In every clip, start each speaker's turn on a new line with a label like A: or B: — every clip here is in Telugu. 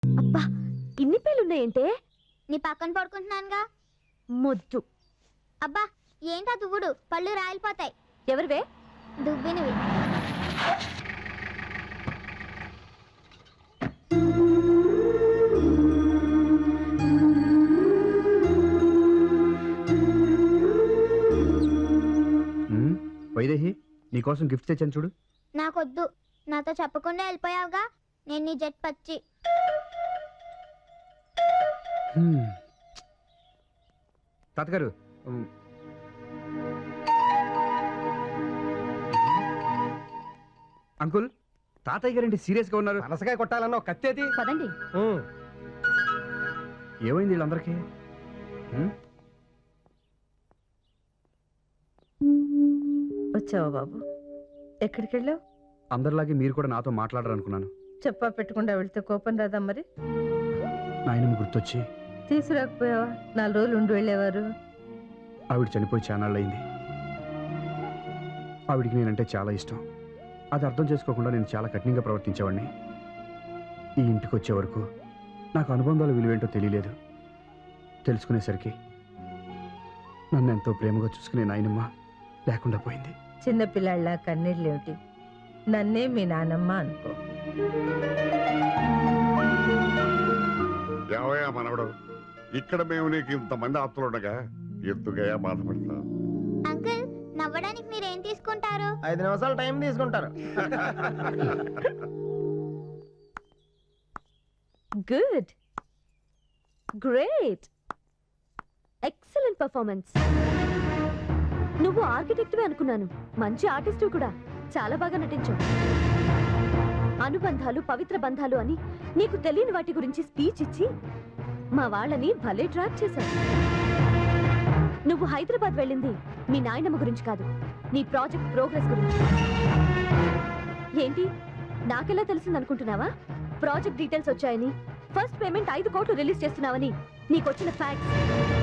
A: అబ్బా ఇన్ని పేలున్నాయంటే?
B: నీ పక్కన పడుకుంటున్నానుగా.
A: ముద్దు.
B: అబ్బా ఏంటా దువ్వుడు, పళ్ళు రాలిపోతాయి.
A: ఎవరివే?
B: దువ్వినవి.
C: వైదేహి, నీకోసం గిఫ్ట్ తెచ్చాను చూడు.
B: నాకొద్దు, నాతో చెప్పకుండా వెళ్ళిపోయావుగా. నేను నీ జట్ పచ్చి.
C: తాతగారు, అంకుల్, తాతయ్య గారండి సీరియస్ గా ఉన్నారు.
D: మనసకాయ కొట్టాలన్న కత్తేది.
A: పదండి.
C: ఏమైంది వీళ్ళందరికీ?
E: వచ్చావా బాబు? ఎక్కడికి వెళ్ళావు?
C: అందరిలాగే మీరు కూడా నాతో మాట్లాడాలనుకున్నాను.
E: చెప్పా పెట్టకుండా వెళ్తే కోపం రాదా మరి?
C: నాయనమ్మ గుర్తొచ్చి
E: తీసుకురాకపోయావా? 4 రోజులు ఉండి వెళ్ళేవారు.
C: ఆవిడ చనిపోయి చానాళ్ళయింది. ఆవిడికి నేనంటే చాలా ఇష్టం. అది అర్థం చేసుకోకుండా నేను చాలా కఠినంగా ప్రవర్తించేవాడిని. ఈ ఇంటికి వచ్చే వరకు నాకు అనుబంధాల విలువేంటో తెలియలేదు. తెలుసుకునేసరికి నన్ను ఎంతో ప్రేమగా చూసుకునే నాయనమ్మ లేకుండా పోయింది.
E: చిన్నపిల్లాళ్ళ కన్నీళ్ళేమిటి? నన్నే మీ నానమ్మ అనుకో.
F: ఏవయ్యా మనవడు, ఇక్కడ మేము నీకు ఇంతమంది ఆప్తులుండగా ఎందుకయ్యా బాధపడతా?
B: అంకుల్, నవ్వడానికి మీరేం తీసుకుంటారు?
D: 5 నిమిషాలు టైం తీసుకుంటారు.
A: Good, great, excellent performance. నువ్వు ఆర్కిటెక్ట్వే అనుకున్నాను. మంచి ఆర్టిస్ట్ కూడా. చాలా బాగా నటించావు. అనుబంధాలు, పవిత్ర బంధాలు అని నీకు తెలియని వాటి గురించి స్పీచ్ ఇచ్చి మా వాళ్ళని భలే ట్రాప్ చేశావు. నువ్వు హైదరాబాద్ వెళ్ళింది మీ నాయనమ్మ గురించి కాదు, నీ ప్రాజెక్ట్ ప్రోగ్రెస్ గురించి. ఏంటి, నాకెలా తెలిసిందనుకుంటున్నావా? ప్రాజెక్ట్ డీటెయిల్స్ వచ్చాయని, ఫస్ట్ పేమెంట్ 5 కోట్లు రిలీజ్ చేస్తున్నావని నీకొచ్చిన ఫ్యాక్ట్స్.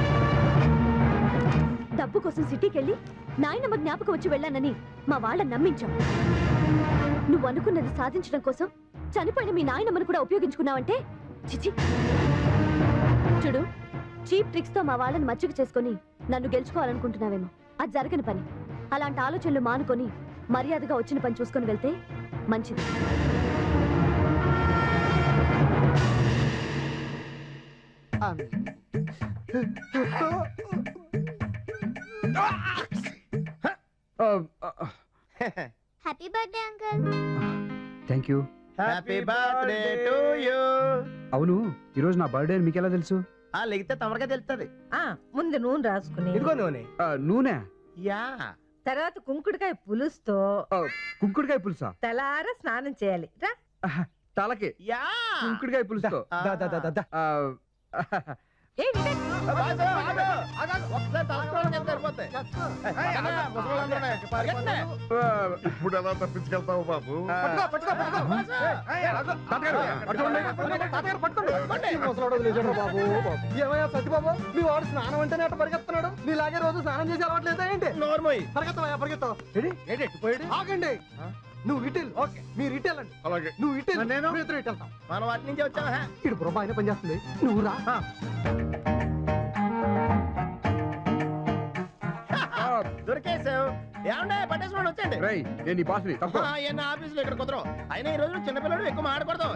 A: డబ్బు కోసం సిటీకి వెళ్ళి నాయనమ్మ జ్ఞాపకం వచ్చి వెళ్ళానని మా వాళ్ళని నమ్మించాం. నువ్వు అనుకున్నది సాధించడం కోసం చనిపోయిన మీ నాయనమ్మను కూడా ఉపయోగించుకున్నావంటే చిచి. చూడు, చీప్ ట్రిక్స్ తో మా వాళ్ళని మచ్చిక చేసుకుని నన్ను గెలుచుకోవాలనుకుంటున్నావేమో. అది జరగని పని. అలాంటి ఆలోచనలు మానుకొని మర్యాదగా వచ్చిన పని చూసుకొని వెళ్తే మంచిది.
B: Happy birthday uncle.
C: Thank you.
D: Happy birthday to you.
C: అవును, ఈరోజు నా బర్త్డే అని మీకెలా తెలుసు?
D: లెగితే తమరగా తెలుస్తుంది.
E: ముందు నూనె రాసుకుని,
D: ఇదిగో నూనె.
C: నూనె.
D: యా.
E: తర్వాత కుంకుడుకాయ పులుసుతో
C: కుంకుడుకాయ పులుసా?
E: తలార స్నానం చేయాలి. రా.
C: తలకి
D: యా.
C: కుంకుడుకాయ పులుసుతో.
E: ఏంటి?
F: ఇప్పుడు ఎలా తప్పించుకెళ్తావు బాబు?
D: ఏమయ్యా సత్యబాబు, మీ వాడు స్నానం అంటేనే అట్ట పరిగెత్తున్నాడు. మీలాగే రోజు స్నానం చేసి అలవాట్లేదా ఏంటి? నోర్మోయ్, పరిగెత్తవయ్యా పరిగెత్తావు. ఆగండి. నువ్వు ఇటెల్. ఓకే, మీరు ఇటెల్ అండి.
F: అలాగే.
D: నువ్వు ఇటెల్, నేను ఇద్దరు ఇటెల్. మనం వాటి నుంచి వచ్చావా? ఇటు బుర్ర ఆయన పనిచేస్తుంది. నువ్వు రా. దొరికేసావు. ఏమండే పట్టేసుకోండి, వచ్చండి.
C: నేను బాస్ని తప్ప
D: ఎన్న ఆఫీసులో ఇక్కడ కుదరవు. అయినా ఈ రోజు చిన్నపిల్లడు ఎక్కువ మాడకూడదు.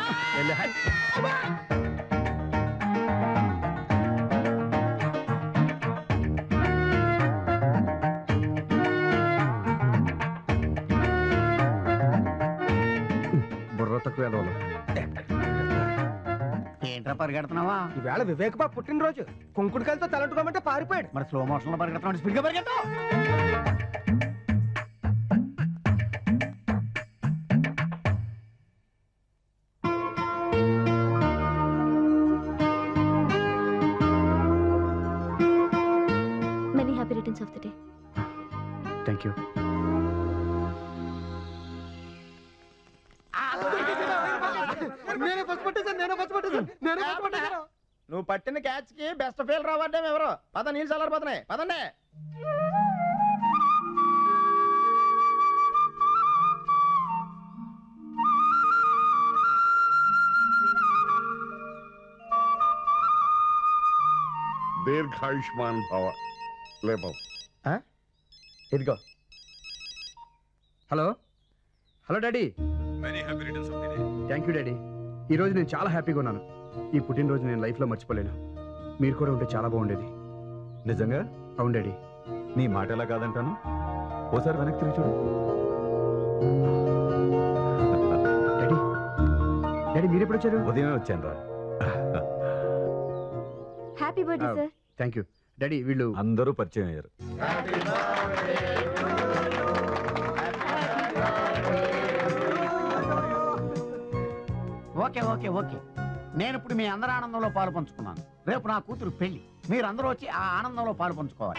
C: బుర్ర తక్కువ ఎదవలు.
G: ఏంట్రా పరిగెడుతున్నావా?
D: ఈవేళ వివేక్ బాబు పుట్టినరోజు. కుంకుడుకాయలతో తలంటుకోమంటే పారిపోయాడు.
G: మరి స్లో మోషన్ లో పరిగెడుతున్నాడు, స్పీడ్ గా పరిగెత్తావు.
A: Many happy returns of the day.
C: Thank you.
D: నువ్వు పట్టిన క్యాచ్ కి బెస్ట్ ఫీల్ రావడం ఎవరు? పద, నీళ్ళు చల్లారిపోతున్నాయి. పదండి.
F: దీర్ఘాయుష్మాన్ భవ. లే బాబు.
D: ఇదిగో.
C: Hello hello daddy. Thank you daddy. ఈరోజు నేను చాలా హ్యాపీగా ఉన్నాను. ఈ పుట్టినరోజు నేను లైఫ్లో మర్చిపోలేను. మీరు కూడా ఉంటే చాలా బాగుండేది.
H: నిజంగా?
C: అవును డాడీ.
H: నీ మాట ఎలా కాదంటాను. ఓసారి వెనక్కి తిరిగి చూడు.
C: డాడీ డాడీ మీరు ఎప్పుడు వచ్చారు?
H: ఉదయమే వచ్చాను రా.
A: Happy birthday sir.
C: Thank you daddy. వీళ్ళు
H: అందరూ పరిచయం అయ్యారు.
G: Okay okay okay. నేను ఇప్పుడు మీ అందరి ఆనందంలో పాలు పంచుకున్నాను. రేపు నా కూతురు పెళ్లి. మీరందరూ వచ్చి ఆ ఆనందంలో పాలు పంచుకోవాలి.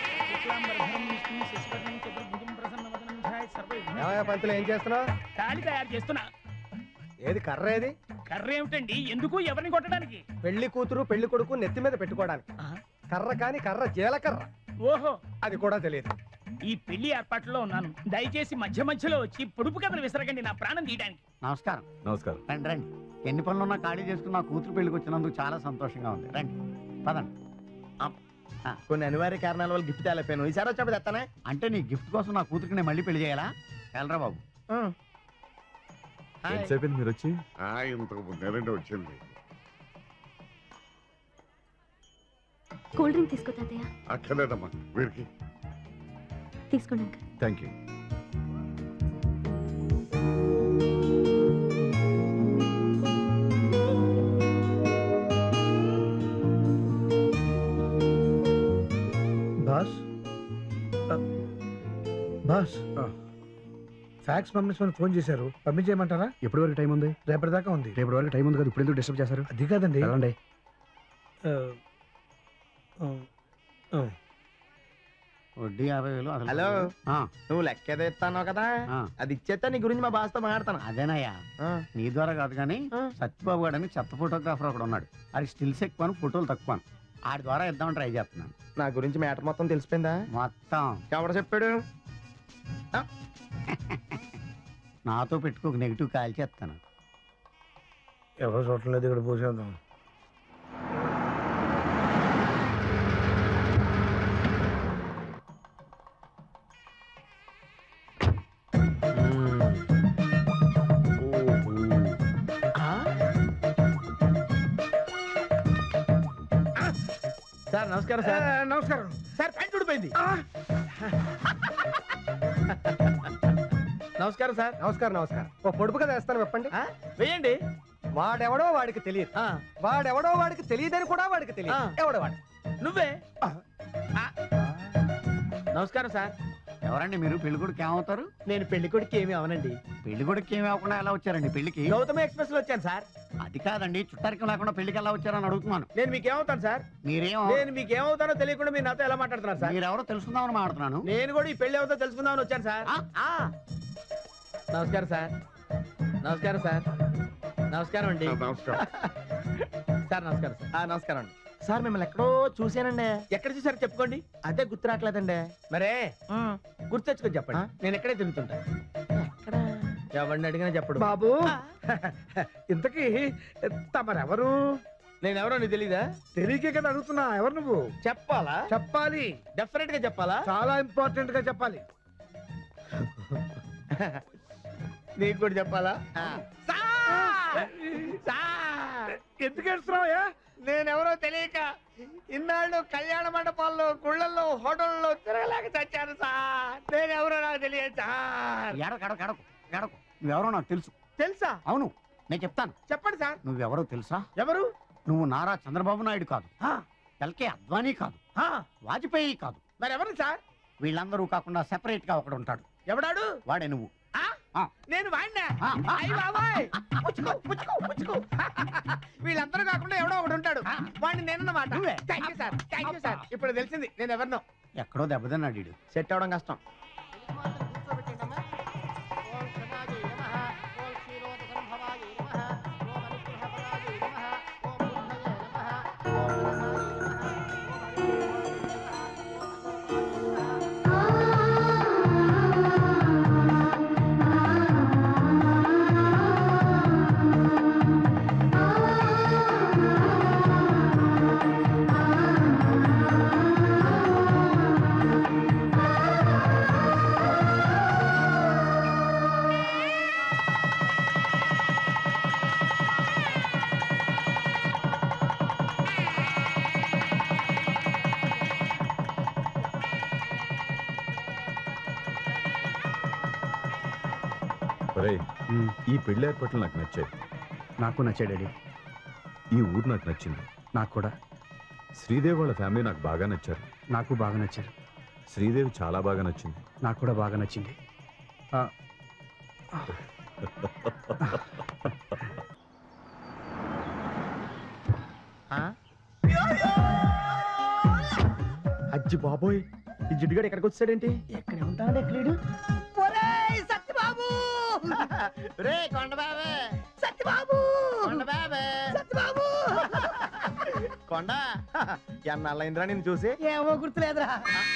D: పంతులు ఏం చేస్తున్నావు?
I: తాళి తయారు చేస్తున్నా.
D: ఏది కర్ర? ఏది
I: కర్ర ఏమిటండి? ఎందుకు? ఎవరిని కొట్టడానికి?
D: పెళ్లి కూతురు పెళ్లి కొడుకు నెత్తి మీద పెట్టుకోవడానికి. కర్ర కాని కర్ర జీలకర్ర.
I: ఓహో,
D: అది కూడా తెలియదు.
I: ఈ పెళ్లి ఏర్పాట్లో ఉన్నాను. దయచేసి మధ్య మధ్యలో వచ్చి పొడుపు కథలు విసరగండి, నా ప్రాణం తీయడానికి.
G: నమస్కారం.
H: నమస్కారం.
G: రండి రండి. ఎన్ని పనులున్నా ఖాళీ చేసుకుని నా కూతురు పెళ్లికి వచ్చినందుకు చాలా సంతోషంగా ఉంది. రండి పదండి.
D: కొన్ని అనివార్య కారణాల వల్ల గిఫ్ట్ తేలేపాను. ఈసారి వచ్చినప్పుడు తెస్తానే.
G: అంటే నీ గిఫ్ట్ కోసం నా కూతురికి నేను మళ్ళీ పెళ్లి చేయాలా? వెళ్ళరా బాబు.
H: ఎంతసేపు మీరు వచ్చి?
F: ఇంతకు ముందేనండి వచ్చింది.
A: కూల్ డ్రింక్ తీసుకో తాతయ్య.
F: అక్కర్లేదమ్మా, వీరికి
A: తీసుకోండి uncle.
H: Thank you.
J: Boss boss fax పంపించమని ఫోన్ చేశారు. పంపించేయమంటారా?
C: ఎప్పటి వరకు టైం ఉంది?
J: రేపటి దాకా ఉంది.
C: రేపటి వరకు టైం ఉంది కదా, ఇప్పుడు ఎందుకు డిస్టర్బ్ చేశారు?
J: అది కాదండి.
C: వెళ్ళండి.
G: వడ్డీ 50,000.
D: హలో,
G: ఆ,
D: నువ్వు లెక్క ఏదో ఇస్తాను కదా,
G: ఆ.
D: అది ఇచ్చేస్తా. నీ గురించి మా బాస్తో మాట్లాడతాను.
G: అదేనయ్యా. నీ ద్వారా కాదు కానీ
D: ఆ.
G: సత్యబాబు గారు అని చెత్త ఫోటోగ్రాఫర్ ఒకడు ఉన్నాడు. అది స్టిల్స్ ఎక్కువ, ఫోటోలు తక్కువ. ఆడి ద్వారా ఇద్దామని ట్రై చేస్తున్నాను.
D: నా గురించి మ్యాటర్ మొత్తం తెలిసిపోయిందా?
G: మొత్తం
D: ఎవరు చెప్పాడు?
G: నాతో పెట్టుకోక నెగిటివ్ కాల్ చేస్తాను.
J: ఎవరో చూడటం లేదు, ఇక్కడ పోసేద్దాం.
D: సార్ నమస్కారం. సార్
J: నమస్కారం
D: సార్. ప్యాంట్ ఊడిపోయింది. నమస్కారం సార్. నమస్కారం నమస్కారం. ఓ పొడుపు కదా వేస్తాను, చెప్పండి. వేయండి. వాడెవడో వాడికి తెలియదు. వాడెవడో వాడికి తెలియదని కూడా వాడికి తెలియదు. ఎవడో వాడు? నువ్వే. నమస్కారం సార్.
G: ఎవరండి మీరు? పెళ్ళికొడుకు ఏమవుతారు?
D: నేను పెళ్లి కొడుకు ఏమి అవనండి.
G: పెళ్ళికొడుకు ఏమి అవ్వకుండా ఎలా వచ్చారండి పెళ్లికి?
D: గౌతమ ఎక్స్ప్రెస్ లో వచ్చాను సార్.
G: అది కాదండి, చుట్టారికం లేకుండా పెళ్లికి ఎలా వచ్చారని అడుగుతున్నాను.
D: నేను మీకేమవుతాను సార్?
G: మీరేం
D: నేను మీకేమవుతానో తెలియకుండా మీరు నాతో ఎలా మాట్లాడుతున్నారు సార్?
G: మీరెవరో తెలుసుకుందామని మాట్లాడుతున్నాను.
D: నేను కూడా ఈ పెళ్లి అవుతా తెలుసుకుందామని వచ్చాను సార్. నమస్కారం సార్. నమస్కారం సార్. నమస్కారం అండి.
F: నమస్కారం
D: సార్. నమస్కారం సార్. నమస్కారం అండి. సార్ మిమ్మల్ని ఎక్కడో చూశానండి. ఎక్కడ చూసారో చెప్పుకోండి. అదే గుర్తు రావట్లేదండి. మరే గుర్తు తెచ్చుకొని చెప్పండి. నేను ఎక్కడే తిరుగుతుంటా. ఎవరిని అడిగినా చెప్పడు.
J: బాబు ఇంతకీ తమరెవరు?
D: నేనెవరో నీకు తెలీదా?
J: తెలియకే కదా అడుగుతున్నా. ఎవరు నువ్వు?
D: చెప్పాలా?
J: చెప్పాలి.
D: డెఫినెట్ గా చెప్పాలా?
J: చాలా ఇంపార్టెంట్ గా చెప్పాలి.
D: నీకు కూడా చెప్పాలా?
J: ఎందుకు ఏడుస్తున్నావయ్యా?
D: నేనెవరో తెలియక ఇన్నాళ్ళు కళ్యాణ మండపాల్లో, గుళ్ళల్లో, హోటల్లో తిరగలేక చచ్చాను సార్. నేనెవరో నాకు తెలియదు సార్.
G: ఎడకు నువ్వెవరో నాకు తెలుసు.
D: తెలుసా?
G: అవును, నేను చెప్తాను.
D: చెప్పండి సార్.
G: నువ్వెవరో తెలుసా?
D: ఎవరు?
G: నువ్వు నారా చంద్రబాబు నాయుడు కాదు, ఎల్కే అద్వానీ కాదు, వాజ్పేయి కాదు.
D: మరి ఎవరు సార్?
G: వీళ్ళందరూ కాకుండా సెపరేట్ గా ఒకడు ఉంటాడు.
D: ఎవడాడు?
G: వాడే నువ్వు.
D: నేను వాడినా? అయ్య బాబాయ్, పుచ్చుకో పుచ్చుకో పుచ్చుకో. వీళ్ళందరూ కాకుండా ఎవడో ఒకడు ఉంటాడు. వాడిని నేనన్నమాట. Thank you sir. Thank you sir. ఇప్పుడు తెలిసింది నేను ఎవరినో.
G: ఎక్కడో దెబ్బతిన్నాడు వీడు.
D: సెట్ అవడం కష్టం.
H: ఒరేయ్, ఈ పెళ్లి ఏర్పాట్లు నాకు నచ్చాయి.
C: నాకు నచ్చాడు డాడీ.
H: ఈ ఊరు నాకు నచ్చింది.
C: నాకు కూడా.
H: శ్రీదేవి వాళ్ళ ఫ్యామిలీ నాకు బాగా నచ్చారు.
C: నాకు బాగా నచ్చారు.
H: శ్రీదేవి చాలా బాగా నచ్చింది.
C: నాకు కూడా బాగా నచ్చింది.
D: అజ్జి బాబోయ్, ఈ జిడ్డుగాడు ఎక్కడికి వచ్చాడేంటి?
I: ఎక్కడ ఉంటాడు ఎక్కడు? సత్యబాబు
D: రే కొండబాబే,
I: సత్యబాబు
D: కొండబాబే,
I: సత్యబాబు
D: కొండ ఎన్నాళ్ళైందిరా నేను చూసి?
I: ఏమో గుర్తులేదురా.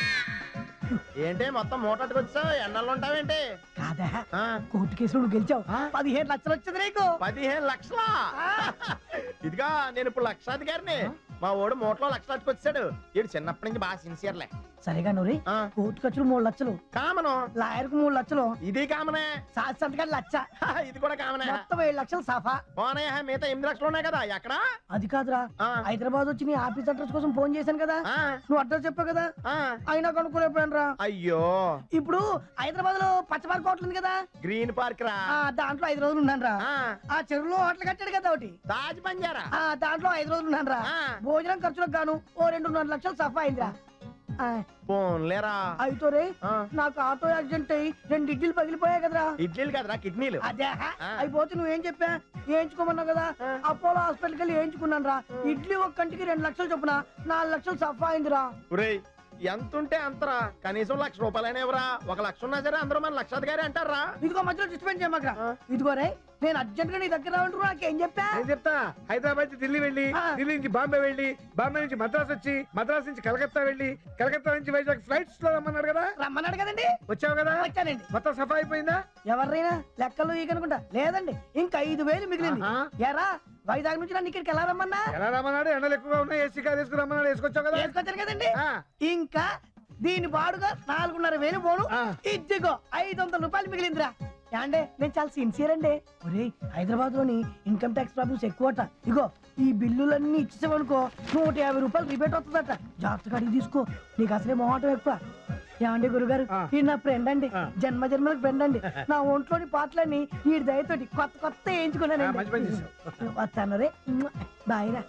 D: ఏంటి మొత్తం మూటట్టుకు వచ్చావు? ఎన్నాళ్ళు ఉంటావేంటి?
I: కాదా కోర్టు కేసులో నువ్వు గెలిచావు. 15 లక్షలు వచ్చింది నీకు.
D: 15 లక్షలా? ఇదిగా నేను ఇప్పుడు లక్షాధికారిని. మా ఓడు మూటలో లక్షలాదికి వచ్చాడు. వీడు చిన్నప్పటి నుంచి బాగా సిన్సియర్లే.
I: సరేగా నూరి, కోర్టు ఖర్చులు 3 లక్షలు,
D: కామను.
I: లాయర్ కు 3 లక్షలు,
D: ఇది కామనే.
I: సాక్షి సంతకాలు 1,00,000,
D: ఇది కూడా కామనే.
I: మొత్తం 7 లక్షలు సాఫా.
D: పోనీ, మిగతా 8 లక్షలు ఉన్నాయి కదా, ఎక్కడ?
I: అది కాదురా, హైదరాబాద్ వచ్చి నీ ఆఫీస్ అడ్రస్ కోసం ఫోన్ చేశాను కదా, నువ్వు అడ్రస్ చెప్పావు కదా, అయినా కనుక్కోలేకపోయాను రా.
D: అయ్యో,
I: ఇప్పుడు హైదరాబాద్ లో పచ్చపార్క్ హోటల్ ఉంది కదా,
D: గ్రీన్ పార్క్ రా,
I: దాంట్లో 5 రోజులు ఉన్నాను రా. ఆ చెరువులో హోటల్ కట్టాడు కదా ఒకటి,
D: తాజ్ బంజారా,
I: దాంట్లో 5 రోజులు ఉన్నాను రా. భోజనం ఖర్చులకు గాను ఓ 2.5 లక్షలు సఫా అయిందిరా.
D: పోన్లేరా.
I: అయితే రే, నాకు ఆటో యాక్సిడెంట్ అయ్యి 2 ఇడ్లీలు పగిలిపోయాయి కదరా.
D: ఇడ్లీలు కదరా, కిడ్నీలు.
I: అదే అయిపోతే నువ్వేం చెప్పా, వేయించుకోమన్నావు కదా, అపోలో హాస్పిటల్కి వెళ్ళి వేయించుకున్నాను రా. ఇడ్లీ ఒక కంటికి 2 లక్షలు చొప్పున 4 లక్షలు సఫా అయిందిరా.
D: ఎంత ఉంటే అంతరా, కనీసం ₹1,00,000 ఇవ్వరా? 1 లక్ష ఉన్నా సరే అందరూ మన లక్షాధికారి అంటారా?
I: ఇదిగో మధ్యలో డిస్టర్బెన్స్ చేయమాకరా. ఇదిగో రే, నేను అర్జెంట్ గా నీ దగ్గర రావంటారు, నాకేం చెప్పా?
J: నేను చెప్తా. హైదరాబాద్ నుంచి ఢిల్లీ వెళ్ళి, ఢిల్లీ నుంచి బాంబే వెళ్ళి, బాంబే నుంచి మద్రాస్ వచ్చి, మద్రాస్ నుంచి కలకత్తా వెళ్ళి, కలకత్తా నుంచి వైజాగ్ ఫ్లైట్స్ లో రమ్మన్నాడు కదా.
I: రమ్మన్నాడు కదండి.
J: వచ్చావు కదా?
I: వచ్చానండి.
J: మొత్తం సఫా అయిపోయిందా?
I: ఎవరైనా లెక్కలు ఈకనుకుంటా లేదండి, ఇంకా 5,000 మిగిలింది. ఎరా, వైజాగ్ నుంచి నన్ను ఇక్కడికి ఎలా రమ్మన్నా?
J: ఎలా రమ్మన్నాడు? ఎండలు ఎక్కువగా ఉన్నాయి, ఏసీ కార్ వేసుకుని రమ్మన్నాడు. వేసుకొచ్చావు కదా?
I: వేసుకొచ్చాను కదండి. ఇంకా దీని బాడుగా 4,500 పోను. ఇదిగో 500 రూపాయలు మిగిలిందిరా. అంటే నేను చాలా సిన్సియర్ అండి. ఒరే, హైదరాబాద్ లోని ఇన్కమ్ ట్యాక్స్ ప్రాబ్లమ్స్ ఎక్కువట. ఇగో ఈ బిల్లులన్నీ ఇచ్చేసామనుకో 150 రూపాయలు రిబేట్ వస్తుందట. జాగ్రత్తగా అడిగి తీసుకో, నీకు అసలే మొహటం ఎక్కువ. ఏమండి గురుగారు, ఈ నా ఫ్రెండ్ అండి, జన్మ జన్మలకు ఫ్రెండ్ అండి. నా ఒంట్లోని పాటలన్నీ ఈ దయతోటి కొత్త వేయించుకున్నానండి. వస్తాను రే, బాయ్రా.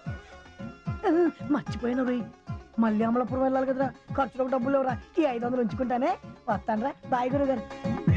I: మర్చిపోయిన రోయ్, మళ్ళీ అమలాపురం వెళ్ళాలి కదరా, ఖర్చులకు డబ్బులు ఎవరా? ఈ 500 ఉంచుకుంటానే. వస్తాను రా, బాయ్ గురుగారు.